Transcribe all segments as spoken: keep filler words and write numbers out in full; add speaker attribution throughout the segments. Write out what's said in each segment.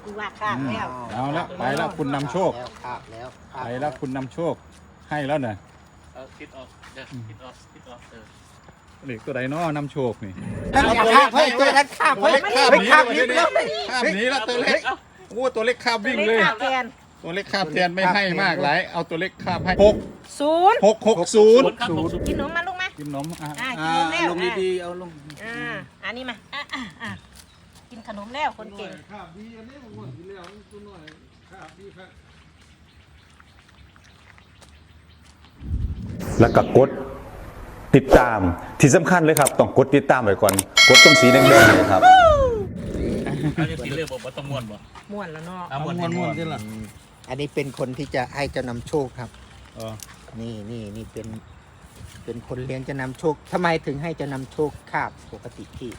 Speaker 1: คือว่าข้ามแล้ว
Speaker 2: เอาละไปแล้วคุณนำโชค
Speaker 3: แล้วครับแล้วครับ
Speaker 2: ไปแล้วคุณนำโชคให้แล้วเนี่ย
Speaker 4: เออคิดออกเดี๋ยวคิดออกคิดออกเออ
Speaker 2: เหล็กตัวใดน้อนำโชคนี่
Speaker 3: นั่นอย่าข้ามเฮ้ยตัวนั้นข้ามเฮ้ย
Speaker 2: ข้าม
Speaker 3: เฮ้ย
Speaker 2: หนี
Speaker 3: ข้าม
Speaker 2: เล
Speaker 3: นิ
Speaker 2: ย
Speaker 3: ดเดียว
Speaker 2: ข้ามหนีแล้วตัวเล็กโอ้ตัวเล็กข้ามวิ่งเลย
Speaker 1: ข้ามแทน
Speaker 2: ตัวเล็กข้ามแทนไม่ให้มากหลายเอาตัวเล็กข้ามให้หก
Speaker 1: ศูนย์
Speaker 2: หกหกศูนย์
Speaker 4: ศูนย์ครับศูนย์
Speaker 1: กินขนมมาลูกมา
Speaker 2: กินนมอ่ะ
Speaker 1: อ่ากิ
Speaker 3: อ่าน
Speaker 1: ขนมแล้ว
Speaker 3: ลงดีๆเอาลง
Speaker 1: อ่าอันนี้มาอ่ะอ่ะอ่ะกินขนมแล้วคนเก่ง
Speaker 2: ข้ามดีอันนี้มันหมดทีแล้วตัวหน่อยข้ามดีครับ
Speaker 5: แล้วก็กดติดตามที่สำคัญเลยครับต้องกดติดตามไว้ก่อนกดตรงสีแดงๆเลยครับ
Speaker 4: เขาจะสีเลือกบอกว่าต้องม้วนบ่
Speaker 1: ม่วนแล้วเนาะ
Speaker 4: เอาม้วนม้วนม้วนที่ละ
Speaker 3: อันนี้เป็นคนที่จะให้เจ้านำโชคครับ
Speaker 2: เออ
Speaker 3: นี่นี่นี่เป็น เป็นคนเลี้ยงเจ้านำโชคทำไมถึงให้เจ้านำโชคคาบปกติที่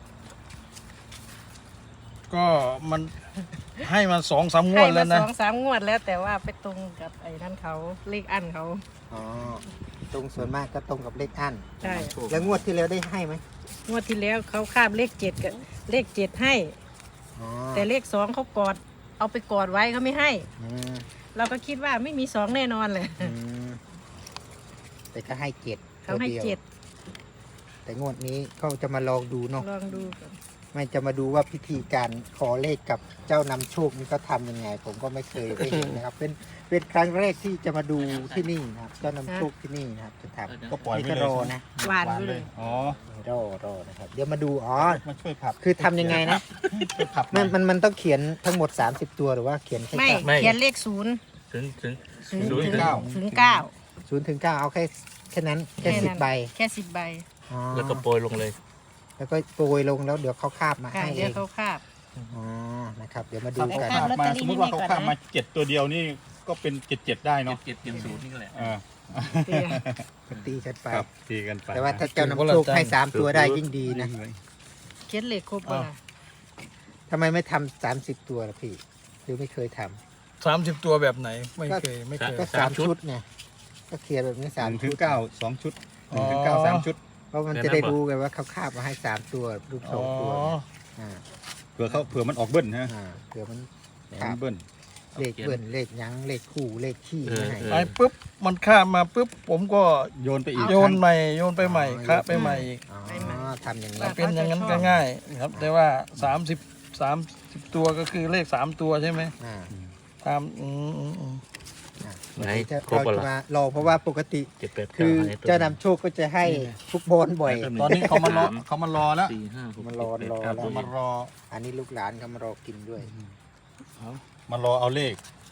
Speaker 6: ก็มันให้มาสองสามงว
Speaker 1: ให้
Speaker 6: ด
Speaker 1: มา
Speaker 6: แล้ว
Speaker 1: ส
Speaker 6: นะ
Speaker 1: องสามงวดแล้วแต่ว่าไปตรงกับไอ้นั่นเขาเลขอันเขา
Speaker 3: อ๋อตรงส่วนมากก็ตรงกับเลขอั้น
Speaker 1: ใช่
Speaker 3: แล้วงวดที่แล้วได้ให้ไหม
Speaker 1: งวดที่แล้วเขาคาบเลขเจ็ดกับเลขเจ็ดให้
Speaker 3: อ๋อ
Speaker 1: แต่เลขสองเขากอด เอาไปกอดไว้เขาไม่ให้
Speaker 3: อืม
Speaker 1: เราก็คิดว่าไม่มีสองแน่นอนเลย
Speaker 3: อืมแต่ก็ให้เจ็ด
Speaker 1: เขาให้
Speaker 3: ตัวดียว
Speaker 1: เจ็ด
Speaker 3: แต่งวดนี้เขาจะมาลองดูเนาะ
Speaker 1: ลองดูก่อน
Speaker 3: ไม่จะมาดูว่าพิธีการขอเลขกับเจ้านำโชคนี่เขาทำยังไง ผมก็ไม่เคยได้เห็นนะครับ เป็นเป็นครั้งแรกที่จะมาดูที่นี่นะครับ เจ้านำโชคที่นี่นะครับ จะทำ
Speaker 2: ก็ปล่อย
Speaker 3: นี่
Speaker 2: ไป
Speaker 3: ก็
Speaker 2: เลย
Speaker 3: รอนะ
Speaker 1: หวานไปเลย
Speaker 2: อ๋อ
Speaker 3: รอรอนะครับ เดี๋ยวมาดูอ๋อ
Speaker 2: มาช่วยผับ
Speaker 3: คือทำยังไงนะ
Speaker 2: ช่วยผับห
Speaker 3: มั
Speaker 2: อน ย
Speaker 3: มันมันต้องเขียนทั้งหมด สามสิบ ตัวหรือว่าเขียนแค่
Speaker 1: ไม่
Speaker 3: เก้า
Speaker 1: เขียนเลขศูนย์
Speaker 4: ถึงถึง
Speaker 1: ถึง
Speaker 4: ศูนย์
Speaker 1: ถึง
Speaker 2: เก้า
Speaker 1: ถึงเก้า
Speaker 3: ศูนย์ถึงเก้าเอาแค่แค่นั้นแค่
Speaker 1: แค่
Speaker 3: สิบ
Speaker 1: นั้น
Speaker 3: ใบ
Speaker 1: แค่สิบใบ
Speaker 3: อ๋อ
Speaker 4: แล้วก็โปรยลงเลย
Speaker 3: แล้วก็โปรยลงแล้วเดี๋ยวเขาคาบมา
Speaker 1: ค่ะ
Speaker 3: ให้เอ
Speaker 1: เดี๋ยว
Speaker 3: ง
Speaker 1: เขาคาบ
Speaker 3: อ๋อนะครับ เดี๋ยวมาดู
Speaker 2: ถ้าเขา
Speaker 3: กัน
Speaker 2: ข้ามมา
Speaker 1: ลอตเตอรี่
Speaker 2: สมมติว่า
Speaker 1: ให้
Speaker 2: เขา
Speaker 1: ก่อนนะ
Speaker 2: ข้ามมาเจ็ดตัวเดียวนี่ก็เป็นเจ็ดเจ็ดได้
Speaker 4: เจ็
Speaker 2: เนาะ
Speaker 4: ดเจ็ดเจ็ดศูนย์นี่ก็แหละ
Speaker 2: เออ
Speaker 1: เดี๋ยว
Speaker 3: ตีกันไป
Speaker 2: ครับตีกันไป
Speaker 3: แต่ว่าถ้าเจ้านำโชคให้สามตัวได้ยิ่งดีนะ
Speaker 1: เขียนเลขครบป่ะ
Speaker 3: ทำไมไม่ทำสามสิบตัวล่ะพี่หรือไม่เคยทำ
Speaker 6: สามสิบตัวแบบไหนไม่เคยไม่เคย
Speaker 3: ก็สามชุดไงก็เคลียร์แบบนี้
Speaker 2: สา
Speaker 3: สาม ม
Speaker 2: ถึ
Speaker 3: ชุ
Speaker 2: ง
Speaker 3: ด
Speaker 2: เก้าสองชุดหนึ่งถึง
Speaker 6: อ๋อ
Speaker 2: เก้าสามชุด
Speaker 3: เพราะมันจะได้รู้ไงว่าเขาคาบมาให้สามตัวรูปส
Speaker 6: อ๋
Speaker 3: อ
Speaker 6: อง
Speaker 3: ตัวอ่า
Speaker 2: เผื่อเขาเผื่อมันออกเบิ้ลนะ
Speaker 3: อ่าเผื่อมัน
Speaker 2: เผื่อ
Speaker 3: ครั
Speaker 2: มั
Speaker 3: บ
Speaker 2: นเบิ้ล
Speaker 3: เลขเบิ้ลเลขหยั้งเลขคู่เลขขี้ไม่ให้
Speaker 6: ไปปุ๊บมันข้ามมาปุ๊บผมก็
Speaker 2: โยนไปอีก
Speaker 6: โยนใหม่โยนไปใหม่คะไปใหม่อีก
Speaker 3: อ๋อทำอย่างนี้
Speaker 6: มันเป็นอย่างนั้นก็ง่ายครับ แต่ว่าสามสิบสามสิบตัวก็คือเลขสามตัวใช่ไหม
Speaker 3: อ่า
Speaker 6: ตามอืมอืมอืม
Speaker 3: อ่า
Speaker 4: ไหน
Speaker 3: จะ
Speaker 4: ครบ
Speaker 3: เรา
Speaker 4: แล้ว
Speaker 3: จะมารอเพราะว่าปกติ
Speaker 4: เจ็ดแปด
Speaker 3: คื
Speaker 4: เก้า
Speaker 3: อ
Speaker 4: ให้ตัว
Speaker 3: เจ้านำโชคก็จะให้ฟุกบอลบ่อย
Speaker 2: ตอนนี้เขามารอเขามารอแล้ว
Speaker 4: สี่ห้าหก
Speaker 3: มันรอ
Speaker 4: เจ็ด
Speaker 3: รอ
Speaker 4: แปด
Speaker 3: แล้ว
Speaker 4: เก้า
Speaker 2: มารอ
Speaker 3: อันนี้ลูกหลานเขามารอกินด้วย
Speaker 2: มารอเอาเลข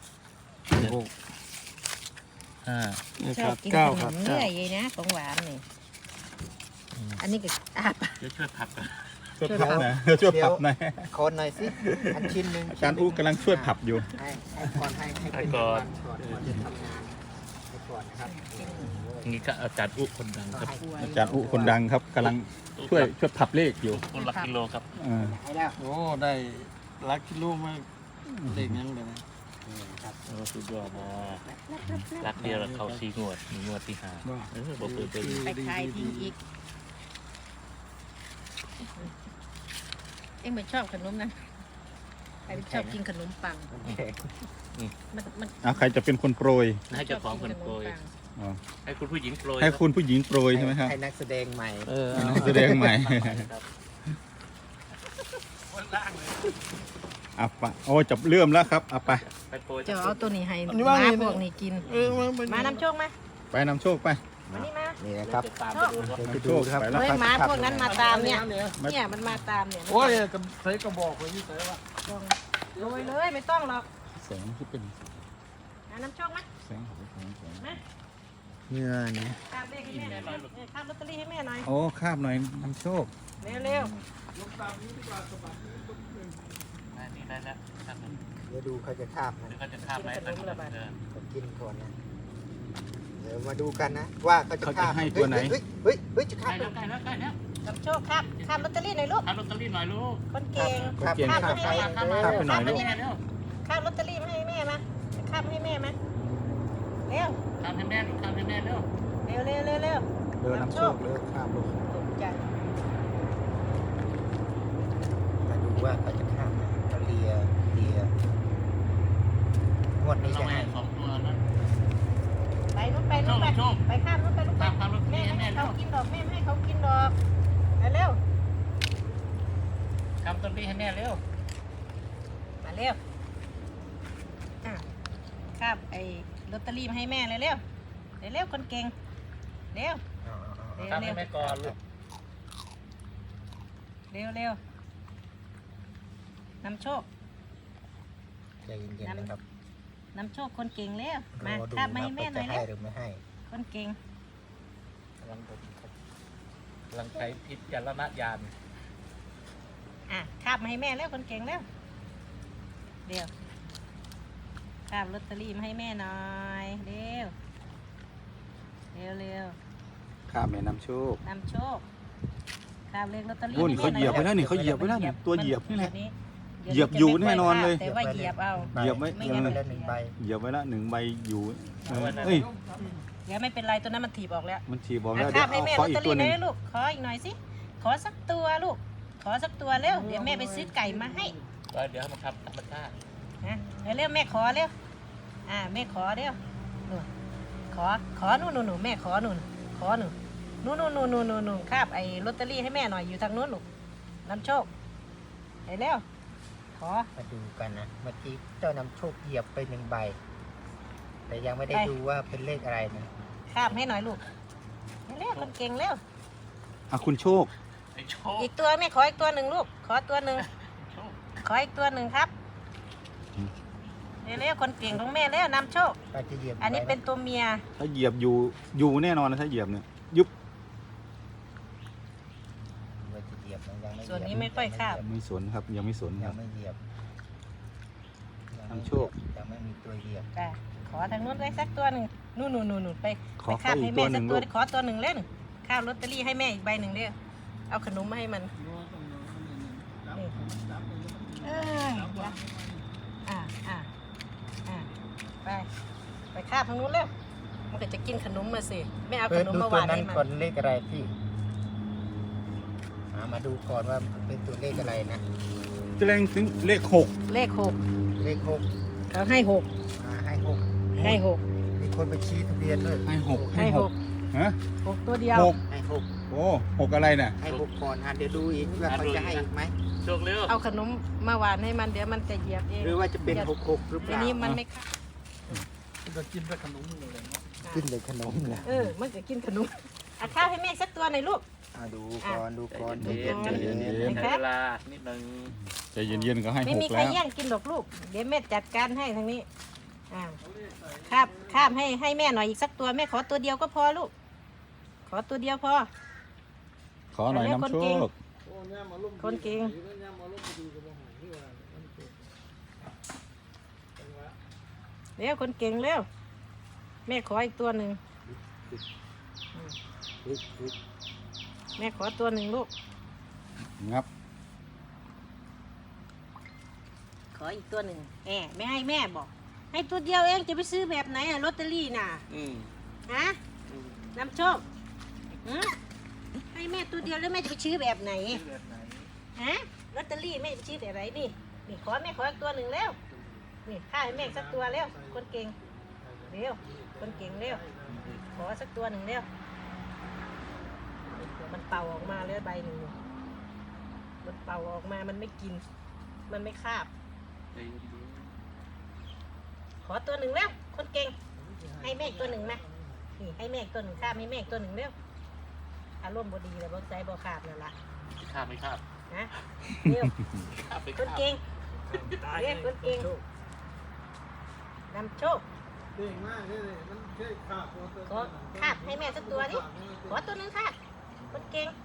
Speaker 4: ห้า
Speaker 1: ชอบกินข
Speaker 6: เก้าน ครับ
Speaker 1: มเนื่อยเลยนะของหวานนี่อันนี้ก็อาปะ
Speaker 4: เดี๋ยวช่วยผักกัน
Speaker 2: ช่วยผับนะช่วยผับหน่อย
Speaker 3: โคนหน่อยสิอันชิ้นหนึ่ง
Speaker 2: อาจารย์อู้กำลังช่วยผับอยู่
Speaker 3: ให้ให้ก่อนให้ให้เป็นรางวัลก่อนก่อนจะทำงานให้ก่อนนะครับ
Speaker 4: นี่ก็อาจารย์อุ๊คนดังครับ
Speaker 2: อาจารย์อู้คนดังครับกำลังช่วยช่วยผับเลขอยู่
Speaker 4: คนละกิโลครับ
Speaker 2: เออ
Speaker 3: ให้แล้ว
Speaker 6: โอ้ได้ลักกิโลมากเด็กยังเลยนะ
Speaker 3: นี่ครับ
Speaker 4: โอ้สุดยอดนะรักเดียวแล้วเขาสี่งวดมีงวดที่ห้าเออบอกเปิดเป็น
Speaker 1: ไปขายทิ้งอีก เอ็งไม่ชอบขนมนะใครชอบกินขนมปัง
Speaker 3: โอเค
Speaker 1: มันมัน
Speaker 2: เอาใครจะเป็นคนโปรย
Speaker 4: ให้เจ้าของคนโปรย
Speaker 1: ชอบกินขนมปัง
Speaker 2: อ๋อ
Speaker 4: ให้คุณผู้หญิงโปรย
Speaker 2: ให้คุณผู้หญิงโปรยใช่ไหมครับ
Speaker 3: ให้นักแสดงใหม่
Speaker 6: เออ
Speaker 2: นักแสดงใหม่
Speaker 4: ครับ
Speaker 2: อ่ะไปโอ้จับเลื่อมแล้วครับเอาไป
Speaker 4: ไปโปรย
Speaker 1: จะเอาตัวนี้ให้
Speaker 6: อันนี้
Speaker 1: ห
Speaker 6: ว่า
Speaker 1: มา
Speaker 6: ไง
Speaker 1: พวกนี้กิน
Speaker 6: เออมันมัน
Speaker 1: มานำโชคไหม
Speaker 2: ไปนำโชคไป
Speaker 1: มานี่มา
Speaker 3: นี่นะครับ
Speaker 4: จะตามไปดูครับ
Speaker 3: เดี๋ยวจะ
Speaker 2: นำโช
Speaker 3: ดู
Speaker 2: ค
Speaker 3: ครับ
Speaker 2: ไปแล้ว
Speaker 1: เฮ้ย
Speaker 2: ครับ
Speaker 1: หมาพวกนั้นมาตามเนี่ย เนี่ยมันมาตามเนี่ย
Speaker 6: โอ้ยกับใส่กระบอกไว้ที่ใส่ว่า
Speaker 1: ต้องโรยเลยไม่ต้องหรอก
Speaker 2: แสงที่เป็น
Speaker 1: มานำโชคไหม
Speaker 2: แสงของแสงแสง
Speaker 1: มา
Speaker 3: เงื่อเนี่ย
Speaker 1: ข้ามเลขให้แม่หน่อยเออข้ามลอตเตอรี่ให้แม่หน่อย
Speaker 2: โอ้คาบหน่อยนำโชค
Speaker 1: เร็วเร็ว
Speaker 4: นี่ได้แล้วครับ
Speaker 3: เดี๋ยวดูเขาจะคาบมัน
Speaker 4: เดี๋ยวก็จะข้ามไปทางนู้นเออ
Speaker 3: เขากินก่อนนะเดี๋ยวมาดูกันนะ ว่าเขาจะ
Speaker 2: เขา
Speaker 3: คา
Speaker 2: จะ
Speaker 3: บ
Speaker 2: ให้ตัวไหน
Speaker 3: เฮ้ยเฮ้ยเฮ้ยจะคา
Speaker 4: ใกล้
Speaker 3: บ
Speaker 4: แล้วใกล้แล้วใกล้แล้ว
Speaker 1: นำโชคครับข้ามลอตเตอรี่หน่อยลูก
Speaker 4: ทำลอตเตอรี่หน่อยลูก
Speaker 1: คนเก่ง
Speaker 3: คาบ
Speaker 2: เก่ง
Speaker 3: คาบ
Speaker 2: คาบ
Speaker 3: คาบ
Speaker 4: ข้ามมา
Speaker 2: ข้ามไปหน่อยลูก
Speaker 4: ข้ามมาเร็ว
Speaker 1: ข้ามลอตเตอรี่มาให้แม่มาข้ามให้แม่มาเร็ว
Speaker 4: ข้ามให้แม่ข้ามให้แม่เร็ว
Speaker 1: เร็วเร็วเร็วเร็ว
Speaker 3: เดินนำโชคเลยคาบลง
Speaker 1: ตกใจ
Speaker 3: มาดูว่าเขาจะคาบไหมเขาเลียเลีย
Speaker 1: เขากินดอกมาเร็ว
Speaker 4: ทำต้นนี้ให้แม่เร็ว
Speaker 1: มาเร็วอ่ะคาบไอ้ลอตเตอรี่มาให้แม่เลยเร็วเร็วเร็วคนเก่งเร็ว
Speaker 3: เอาเอาเอา
Speaker 1: เร็ว
Speaker 4: ทำ
Speaker 1: เร็
Speaker 4: ให้
Speaker 1: ว
Speaker 4: แม่ก่อนลูก
Speaker 1: เร็วเร็วนำโชค
Speaker 3: ใจเย็นๆนะครับ
Speaker 1: นำโชคคนเก่งเร็วมาร
Speaker 3: อดู
Speaker 1: คาบมาให้แม่หน่อย
Speaker 3: ว่า
Speaker 1: เร็
Speaker 3: จะ
Speaker 1: ว
Speaker 3: ให้หรือไม่ให้
Speaker 1: คนเก่ง
Speaker 4: กำลังดมครับกำลังใช้พิจารณญาณ
Speaker 1: อ่ะคาบมาให้แม่เร็วคนเก่งเร็วเร็วคาบลอตเตอรี่มาให้แม่หน่อยเร็วเร็วเร็ว
Speaker 2: ข้าแม่นำโชค
Speaker 1: นำโชคคาบเลขลอตเตอรี่
Speaker 2: โอ้นี่เขาเหยียบไว้แล้วนี่เขาเหยียบไว้แล้วนี่ตัวเหยียบนี่แหละ
Speaker 1: ดี๋ว
Speaker 2: เหยียบอยู่แน่นอนเลย
Speaker 1: แต่ว่าเหยียบเอา
Speaker 2: เหยียบไว้
Speaker 3: ไม่งั้นไปแล้วหนึ่งใบ
Speaker 2: เหยียบไว้ละหนึ่งใบอยู่เออเอ้ย
Speaker 1: เดี๋ยวไม่เป็นไรตัวนั้นมันถีบออกแล้ว
Speaker 2: มันฉีบอก
Speaker 1: อ่ะ
Speaker 2: แล้ว
Speaker 1: ค
Speaker 2: เดี๋
Speaker 1: รั
Speaker 2: ย
Speaker 1: บ
Speaker 2: ว
Speaker 1: ให้
Speaker 2: เอา
Speaker 1: แม่
Speaker 2: ข
Speaker 1: ล
Speaker 2: อ
Speaker 1: อต
Speaker 2: อี
Speaker 1: เต
Speaker 2: ก
Speaker 1: อ
Speaker 2: ตัว
Speaker 1: รี่
Speaker 2: ห
Speaker 1: ห
Speaker 2: นึ่ง
Speaker 1: น่อยลูกขออีกหน่อยสิขอสักตัวลูกขอสักตัวเร็วเดี๋ยวแม่ไปซื้อไก่มาให้
Speaker 4: ก็เดี๋ยวให้มันทำธรรมชาติ
Speaker 1: นะเร็วๆแม่ขอเร็วอ่าแม่ขอเร็วนู่นขอขอนู่นนู่นนู่นแม่ขอนู่นขอนู่นนู่นนู่นนู่นนู่นนู่นนู่นคาบไอ้ลอตเตอรี่ให้แม่หน่อยอยู่ทางนู้นลูกนำโชคไปเร็วขอ
Speaker 3: มาดูกันนะเมื่อกี้เจ้านำโชคเหยียบไปหนึ่งใบ แต่ยังไม่ได้ดูว่าเป็นเลขอะไรนะ
Speaker 1: คาบให้หน่อยลูกเร็วคนเก่งเร็ว
Speaker 2: อ่ะคุณโชค
Speaker 4: ไอ้โชค
Speaker 1: อีกตัวแม่ขออีกตัวหนึ่งลูกขอตัวหนึ่ง
Speaker 4: โชค
Speaker 1: ขออีกตัวหนึ่งครับเร็วๆคนเก่งของแม่แล้วนำโชค
Speaker 3: ก็จะเหยียบ
Speaker 1: อันนี้เป็น
Speaker 3: ไว้ะ
Speaker 1: ตัวเมีย
Speaker 2: ถ้าเหยียบอยู่อยู่แน่นอนนะถ้าเหยียบเนี่ยยุบ
Speaker 3: ว่าจะเหยียบนะยังไม่เหยียบ
Speaker 1: ส่วนนี้ไม่ค่อยคาบ
Speaker 2: ไม่สนครับยังไม่สนค
Speaker 3: ยั
Speaker 2: รับ
Speaker 3: งไม่เหยียบยังไม่
Speaker 2: นำโชค
Speaker 3: ยังไม่มีตัวเหยียบ
Speaker 1: ไปขอทางนู้นไว้สักตัวหนึ่งนู่นนู่นนู่นนู่นไป
Speaker 2: ข
Speaker 1: ไป
Speaker 2: อ
Speaker 1: คา
Speaker 2: เขา
Speaker 1: บ
Speaker 2: อี
Speaker 1: ให้
Speaker 2: ก
Speaker 1: แม่
Speaker 2: ตัวห
Speaker 1: สั
Speaker 2: นึ่
Speaker 1: ก
Speaker 2: ง ลูก
Speaker 1: ตัวขอตัวหนึ่งเล่นข้าวลอตเตอรี่ให้แม่อีกใบหนึ่งเด้อเอาขนมมาให้มันนี่เอ้ยเดี๋ยวอ่าอ่าอ่าไปไปคาบทางนู้นเร็วมันก็จะกินขนมมาสิไม่เอา
Speaker 3: เปิ
Speaker 1: ข
Speaker 3: ด
Speaker 1: นม
Speaker 3: ดู
Speaker 1: มา
Speaker 3: ตัว
Speaker 1: วาง
Speaker 3: นั้น
Speaker 1: ให้มัน
Speaker 3: ก่อนเลขอะไรพี่หามาดูก่อนว่าเป็นตัวเลขอะไรนะ
Speaker 2: แสดงถึงเลขหก
Speaker 1: เลขหก
Speaker 3: เลขหก
Speaker 1: เขาให้หก
Speaker 3: อ่าให้หก
Speaker 1: ให้หก
Speaker 3: มีคนไปชี้ทะเบียนด้วย
Speaker 2: ให้หก
Speaker 1: ให้หก
Speaker 2: ฮะ
Speaker 1: หกตัวเดียว
Speaker 2: หก
Speaker 3: ให้หก
Speaker 2: โอ้หกอะไรน่ะ
Speaker 3: ให้หกก่อนอ่ะเดี๋ยวดูอีกว่าเขาจะให้อีกไหม
Speaker 4: โชคเร็ว
Speaker 1: เอาขนมมาหวานให้มันเดี๋ยวมันจะเหยียบเอง
Speaker 3: หรือว่าจะเป็นหกหกหรือเป
Speaker 1: ที
Speaker 3: ล่า
Speaker 1: นี้มันไม่เข้า
Speaker 6: จะกินแต่ขนมเลยเนาะ
Speaker 3: ขึ้นเลยขนมนะ
Speaker 1: เออ มันจะกินขนมเอาข้าวให้แม่สักตัวหน่อยลูก
Speaker 3: อ่ะดูก่อนดูก่อน
Speaker 4: ใจ
Speaker 3: ดู
Speaker 4: เย็น
Speaker 3: ก่อน
Speaker 4: ใจเย็น
Speaker 2: ใจ
Speaker 4: ใจ
Speaker 2: เย็
Speaker 4: เย็
Speaker 2: น
Speaker 4: นใช้เวลานิดนึง
Speaker 2: ใจเย็นๆก็ให้
Speaker 1: ไม่
Speaker 2: ห
Speaker 1: มี
Speaker 2: ก
Speaker 1: ใคร
Speaker 2: แล้ว
Speaker 1: แย่งกินหรอกลูก เดี๋ยวแม่จัดการให้ทางนี้ อ่าข้ามข้ามให้ให้แม่หน่อยอีกสักตัวแม่ขอตัวเดียวก็พอลูก ขอตัวเดียวพอ
Speaker 2: ขอหน่อย
Speaker 1: เอาเรียก
Speaker 2: นำโช
Speaker 1: คนเก่ง
Speaker 2: ค
Speaker 1: คนเก่งเร็วคนเก่งเร็ว แม่ขออีกตัวหนึ่ง
Speaker 3: อุ๊ยอุ๊ย
Speaker 1: แม่ขอตัวหนึ่งลูก
Speaker 2: งับ
Speaker 1: ขออีกตัวหนึ่งแหมไม่ให้แม่บอก ให้ตัวเดียวเองจะไปซื้อแบบไหนอะลอตเตอรี่น่ะ
Speaker 4: อืม
Speaker 1: ฮะนำโชคฮะให้แม่ตัวเดียวแล้วแม่จะไปซื้อแบบไหน
Speaker 4: แบบไหน
Speaker 1: ฮะลอตเตอรี่แม่จะไปซื้อแบบไหนนี่นี่ขอแม่ขออีกตัวหนึ่งแล้วนี่ข้าให้แม่สักตัวแล้วคนเก่งเร็วคนเก่งเร็วขอสักตัวหนึ่งเร็วมันเป่าออกมาแล้วใบหนึ่งมันเป่าออกมามันไม่กิน มันไม่คาบ
Speaker 4: ใจเย็น
Speaker 1: ขอตัวหนึ่งแล้วคนเก่งให้แม่อีกตัวหนึ่งนะนี่ให้แม่อีกตัวหนึ่งข้ามให้แม่อีกตัวหนึ่งเร็วอารมณ์บดีเลยบ่ใจบ่ขาดนั่นล่ะ
Speaker 4: ๆไม่คาบไม่คาบ
Speaker 1: นะเร็ว
Speaker 4: คาบไป
Speaker 1: คนเก่งเรียกคนเก่งนำโชคขอคาบให้แม่สักตัวดิขอตัวหนึ่งค่ะคนเก่ง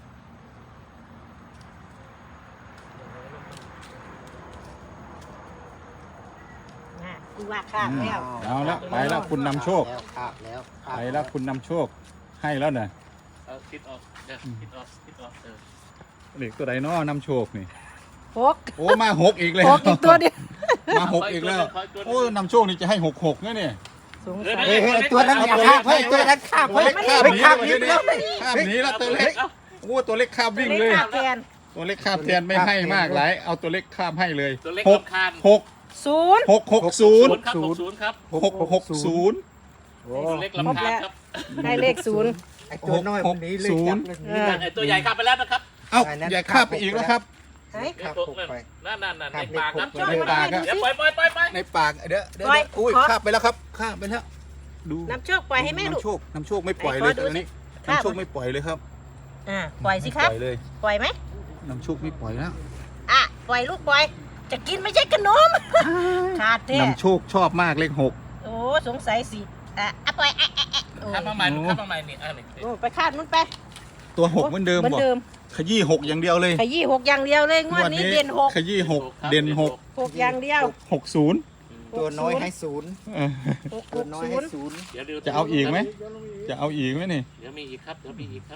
Speaker 1: น่ะกูว่าคาบแล้ว
Speaker 2: เอาละไปแล้วคุณนำโชค
Speaker 3: แล้วคาบแล้วคาบ
Speaker 2: ไปแล้วคุณนำโชคให้แล้วน่ะ
Speaker 4: เอาคิดออกเดี๋ยวคิดออกคิดออกเออ
Speaker 2: เลขตัวใดน้อนำโชคนี่
Speaker 1: หก
Speaker 2: โอ้มาหกอีกแล้ว
Speaker 1: หกอีกตัวเดียว
Speaker 2: มาหกอีกแล้วโอ้นำโชคนี่จะให้หกหกนะเนี่ย
Speaker 1: สงสัย
Speaker 3: เฮ้ยเฮ้ยตัวนั้นอย่าคาบเฮ้ยตัวนั้นคาบ
Speaker 2: ตัว
Speaker 3: เฮ้ย
Speaker 2: เล็ก
Speaker 3: ไม่
Speaker 2: ข้าม
Speaker 3: ไม่
Speaker 2: หนี
Speaker 3: คาบ
Speaker 2: เล
Speaker 3: นิ
Speaker 2: ย
Speaker 3: ด
Speaker 2: เนี่ย
Speaker 3: เดียว
Speaker 2: ข้ามหนีแล้วตัวเล็กโอ้ตัวเล็กข้ามวิ่ง
Speaker 1: เล
Speaker 2: เลย
Speaker 1: ขขาดแทน
Speaker 2: ตัวเล็กข้ามแทนไม่ให้มากหลายเอาตัวเล็กข้ามให้เลย
Speaker 4: ตัวเล็ก
Speaker 2: หก
Speaker 4: รำคาญ
Speaker 2: หก
Speaker 1: ศูนย์
Speaker 2: หกหกศูนย์
Speaker 4: ศูนย์ครับหกศูนย์ครับ
Speaker 2: หกหกศูนย์
Speaker 3: โอ้
Speaker 4: ตัวเล็กรำคาญครับ
Speaker 1: ได้เลขศูนย์
Speaker 3: ไอ้ตัวน้อยมันหนี้เลย
Speaker 2: ศู
Speaker 3: จั
Speaker 2: น
Speaker 3: บ
Speaker 2: ย์
Speaker 3: เลย
Speaker 1: เออ
Speaker 4: ไอตัวใหญ่ข้ามไปแล้วนะครับ
Speaker 2: เอ้า
Speaker 3: อันนั้น
Speaker 2: อย่าข้ามไปอีกแล้วครับ
Speaker 1: เฮ้ย
Speaker 3: ครับ
Speaker 4: ตัว
Speaker 3: ผมไป
Speaker 4: นั่นนั่นนั่น
Speaker 3: ครั
Speaker 4: ใน
Speaker 3: บ
Speaker 4: ปากครับ
Speaker 3: ใน
Speaker 2: ปากอะ
Speaker 4: เดี๋ยวปล่อยปล่อยปล่อยปล่อย
Speaker 2: ในปากเดี๋ยวเดี๋ยว
Speaker 1: ปล่อย
Speaker 2: อุ้ย
Speaker 1: ขอ
Speaker 2: ข้ามไปแล้วครับข้ามไปแล้วดู
Speaker 1: น้ำโชคปล่อยให้แม่ลูก
Speaker 2: น้ำโชคน้ำโชคไม่ปล่อย
Speaker 1: ไหน
Speaker 2: เลย
Speaker 1: ขอดู
Speaker 2: ตอนนี้
Speaker 1: สิข้าม
Speaker 2: น้ำโชคไม่ปล่อยเลยครับ
Speaker 1: อ่าปล่อยสิครับ
Speaker 2: ไม่ปล่อยเลย
Speaker 1: ปล่อยไหม
Speaker 2: น้ำโชคไม่ปล่อยแล้ว
Speaker 1: อ่ะปล่อยลูกปล่อย จะกินไม่ใช่ขนม ขาดแท้
Speaker 2: น้ำโชคชอบมากเลขหก
Speaker 1: โอ้สงสัยสิอ่ะอ่ะปล่อยอ่ะอ่ะอ่ะโอ้
Speaker 4: ข้ามมาใหม่ข้ามมาใหม่นี่อ่ะนี่
Speaker 1: โอ้ไปคาดมันไป
Speaker 2: ตัวหกเหมือนเดิม
Speaker 1: เหมือน
Speaker 2: บอก
Speaker 1: เดิม
Speaker 2: ขยี้หกอย่างเดียวเลย
Speaker 1: ขยี้หกอย่างเดียวเลยงวดนี้เด่นหก
Speaker 2: ขยี้หกเด่นหก
Speaker 1: หกอย่างเดียว
Speaker 2: หกศูนย์
Speaker 3: ตัวน้อยให้ศูนย์
Speaker 2: เออ
Speaker 1: หก
Speaker 3: ตั
Speaker 1: ห
Speaker 3: ว
Speaker 1: ก
Speaker 3: น้อย
Speaker 1: ศู
Speaker 3: ให้
Speaker 1: นย์
Speaker 3: ศูนย์
Speaker 4: เดี๋ยวดี๋ยว
Speaker 2: จะเอาอีกไหมจะเอาอีกไหมนี่
Speaker 4: เดี๋ยวมีอีกครับเดี๋ยวมีอีกครับ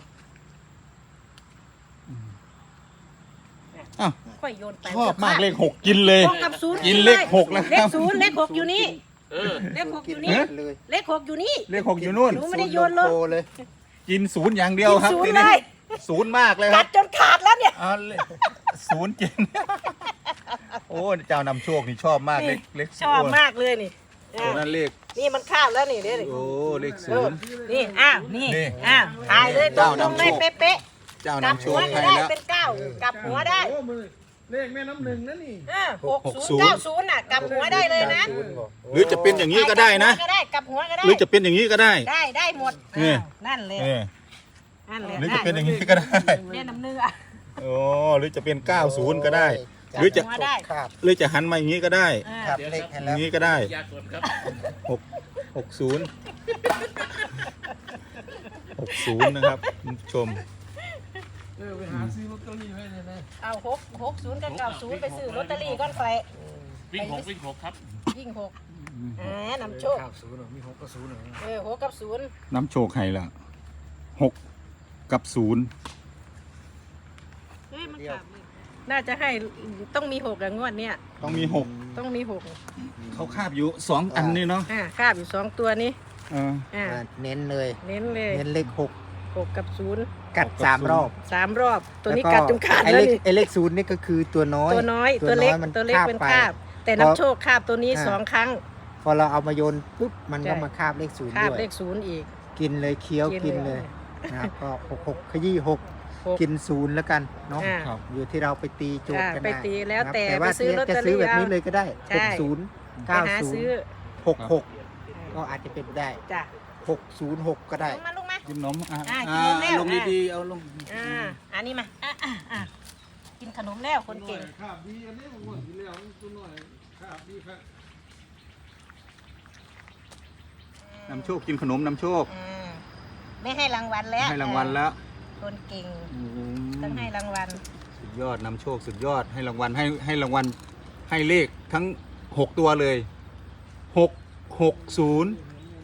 Speaker 2: อ้าว
Speaker 1: ค่อยโยนไป
Speaker 2: ชอบมากเลขหกกินเลย
Speaker 1: หกกับศูนย์
Speaker 2: กินเลขหกแล้ว
Speaker 1: เล
Speaker 2: ครั
Speaker 1: ข
Speaker 2: บ
Speaker 1: ศูนย์เลขหกอยู่นี่
Speaker 4: เออ
Speaker 1: เลขหกอยู่
Speaker 3: กิ
Speaker 1: นี่
Speaker 3: เลย
Speaker 1: เลขหกอยู่นี่
Speaker 2: เลขหกอยู่นู่น
Speaker 1: หนูไม่ได้โยนลง
Speaker 3: โตเลย
Speaker 2: กินศูนย์อย่างเดียวครับ
Speaker 1: กินศูนย์
Speaker 2: ทีนี้
Speaker 1: เลย
Speaker 2: ศูนย์มากเลยค
Speaker 1: กั
Speaker 2: รั
Speaker 1: ด
Speaker 2: บ
Speaker 1: จนขาดแล้วเนี่ย
Speaker 2: เอาเลยศูนย์กิน โอ้เจ้านำโชคนี่ชอบมากเลขเลข
Speaker 1: ชอบมากเลยนี่
Speaker 2: โอ้
Speaker 1: อ่ะ
Speaker 2: นั่นเลข
Speaker 1: นี่มันข้ามแล้วนี่เด้นี่
Speaker 2: โอ้เลข
Speaker 1: เอ
Speaker 2: ศู
Speaker 1: อน
Speaker 2: ย์
Speaker 1: นี่อ้าวนี่
Speaker 2: นี่
Speaker 1: อ้าวถ่ายเลยตร
Speaker 2: เจ้าง นำ
Speaker 1: ๆเลย
Speaker 2: โชค
Speaker 1: เป๊ะ
Speaker 2: เจ้า
Speaker 1: ๆกลับ
Speaker 2: นำโช
Speaker 1: หัว
Speaker 2: ค
Speaker 1: ก็
Speaker 2: ให้
Speaker 1: ได้
Speaker 2: แล้ว
Speaker 1: เป็นเก้ากลับหัวได้
Speaker 6: โอ้มือเลขแม่น้ำหนึ่งนั่นนี่
Speaker 1: เออหก
Speaker 2: หกศู
Speaker 1: ศูน
Speaker 2: นย์
Speaker 1: ย์เก้าศูนย์น่ะกลับหัวได้เลยนะ
Speaker 3: ศูนย์บอก
Speaker 2: หรือจะเป็นอย่างนี้ก็ได้นะ
Speaker 1: กลับหัวก็ได้กลับหัวก็ได้
Speaker 2: หรือจะเป็นอย่างนี้ก็ได้
Speaker 1: ได้ได้หมด
Speaker 2: นี่
Speaker 1: อ้าวนั่นเลย
Speaker 2: นี่
Speaker 1: นั่นเลย
Speaker 2: หรือจะเป็นอย่างนี้ก็ได้
Speaker 1: แม่น้ำเนื้อ
Speaker 2: โอ้หรือจะเป็นเก้าศูนย์ก็ได้ หรือจะ
Speaker 1: หัวได้
Speaker 3: ครับ
Speaker 2: หรือจะหันมาอย่างนี้ก็ได้
Speaker 1: อ่า
Speaker 3: ครับ
Speaker 4: เดี๋ยว
Speaker 3: เลข
Speaker 4: ค
Speaker 3: ให้
Speaker 4: รับ
Speaker 3: แล้ว
Speaker 2: อย่างนี้ก็ได้
Speaker 4: ยากกว่าครับ
Speaker 2: หกหกศูนย์หกศูนย์นะครับคุณผู้ชม
Speaker 6: เออไปหาซื้อลอตเตอรี่ไว้เลยนะ
Speaker 1: เอาหกหกศูนย์กับเก้าศูนย์ไปซื้อลอตเตอรี่ก้อนไฟ
Speaker 4: วิ่งหกวิ่งหกครับ
Speaker 1: ยิ่งหกอ่านำโชค
Speaker 6: เก้าศูนย์มีหกก็ศูนย์เหรอ
Speaker 1: เออหกกับศูนย์
Speaker 2: น้ำโชคให้ละหกกับศูนย์
Speaker 1: เฮ้ยมันขาดน่าจะให้ต้องมีหกอะงวดเนี้ย
Speaker 2: ต้องมีหก
Speaker 1: ต้องมีหก
Speaker 2: เขาคาบอยู่สองอันนี่เนาะ
Speaker 1: อ่าคาบอยู่สองตัวนี้
Speaker 2: เออ
Speaker 1: อ่า
Speaker 3: อ่าเน้นเลย
Speaker 1: เน้นเลย
Speaker 3: เน้นเลขหก
Speaker 1: หกกับศูนย์
Speaker 3: กัดสามรอบ
Speaker 1: สามรอบ ตัวนี้
Speaker 3: แล้
Speaker 1: กัดจนขาด
Speaker 3: ไอ้
Speaker 1: แล้
Speaker 3: เล
Speaker 1: ว
Speaker 3: ข
Speaker 1: นี่
Speaker 3: ไอ้เลขศูนย์นี่ก็คือตัวน้อย
Speaker 1: ตัวน้อยตัวเล็ก
Speaker 3: มัน
Speaker 1: ตัวเล็ก
Speaker 3: คาบ
Speaker 1: เป็น
Speaker 3: ไป
Speaker 1: คาบ แต่น้ำโชคคาบตัวนี้
Speaker 3: อ่า
Speaker 1: สองครั้ง
Speaker 3: พอเราเอามาโยนปุ๊บมันก็
Speaker 1: ใช่
Speaker 3: มาคาบเลขศูนย์
Speaker 1: คาบ
Speaker 3: ด้วย
Speaker 1: เลขศูนย์อีก
Speaker 3: กินเลยเคี้ยว
Speaker 1: กิ
Speaker 3: กิ
Speaker 1: น
Speaker 3: น
Speaker 1: เล
Speaker 3: เลย ยนะครับก็หกหกขยี้หก
Speaker 1: หก
Speaker 3: กินศูนย์แล้วกันเนาะ
Speaker 1: อ่า
Speaker 2: ครับ
Speaker 3: อยู่ที่เราไปตีโจทย์กัน
Speaker 1: อ่าไป
Speaker 3: นะ
Speaker 1: ตีแล้ว
Speaker 3: ครับ
Speaker 1: แต่
Speaker 3: ว่า
Speaker 1: ไปซื้อลอตเตอรี่
Speaker 3: จะซื้อแบบนี้
Speaker 1: เอา
Speaker 3: เลยก็ได้
Speaker 1: ใช่
Speaker 3: หกศูนย์
Speaker 1: ไป
Speaker 3: เก้า
Speaker 1: หา
Speaker 3: ศูน
Speaker 1: ซื้อ
Speaker 3: ย์หกหกก็อาจจะเป็นได้
Speaker 1: จ้ะ
Speaker 3: หกศูนย์หกก็ได้
Speaker 1: ลงมาลงมา
Speaker 2: กินนมอ่ะ
Speaker 1: อ่ะ
Speaker 2: อ่ะ
Speaker 1: กินนมแล้ว
Speaker 2: ลง
Speaker 1: อ่ะ
Speaker 2: ดีๆเอาลง
Speaker 1: อ่าอันนี้มาอ่ะอ่ะอ่ะกินขนมแล้วคนเก่ง
Speaker 6: ขาบดีอันนี้ผมว่าทีแล้วตัวหน่อยขาบดีครับ
Speaker 2: น้ำโชคกินขนมน้ำโชค
Speaker 1: อ่าไม่ให้รางวัลแล้ว
Speaker 2: ให้รางวัลแล้ว
Speaker 1: คนเก่ง
Speaker 2: อืม
Speaker 1: ต้องให้รางวัล
Speaker 2: สุดยอดน้ำโชคสุดยอดให้รางวัลให้ให้รางวัลให้เลขทั้งหกตัวเลยหกหกศูนย์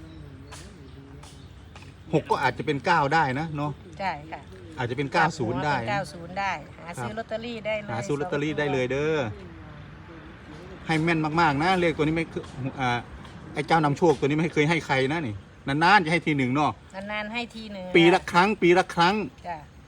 Speaker 2: หกก็อาจจะเป็นเก้าได้นะเนาะ
Speaker 1: ใช่ค่ะ
Speaker 2: อาจจะเป็นเก้าศูนย์ได้
Speaker 1: เก้า
Speaker 2: นะ
Speaker 1: ศูนย์ได้ หาซื้อลอตเตอรี่ได้เลย
Speaker 2: หาซื้อลอตเตอรี่ได้เลยเด้อให้แม่นมากๆนะเลขตัวนี้ไม่เคยอ่าไอ้เจ้านำโชคตัวนี้ไม่เคยให้ใครนะนี่นานๆจะให้ทีหนึ่งเนาะ
Speaker 1: นานๆให้ทีหนึ่ง
Speaker 2: ปีละครั้ง ปีละครั้ง
Speaker 1: จ้ะ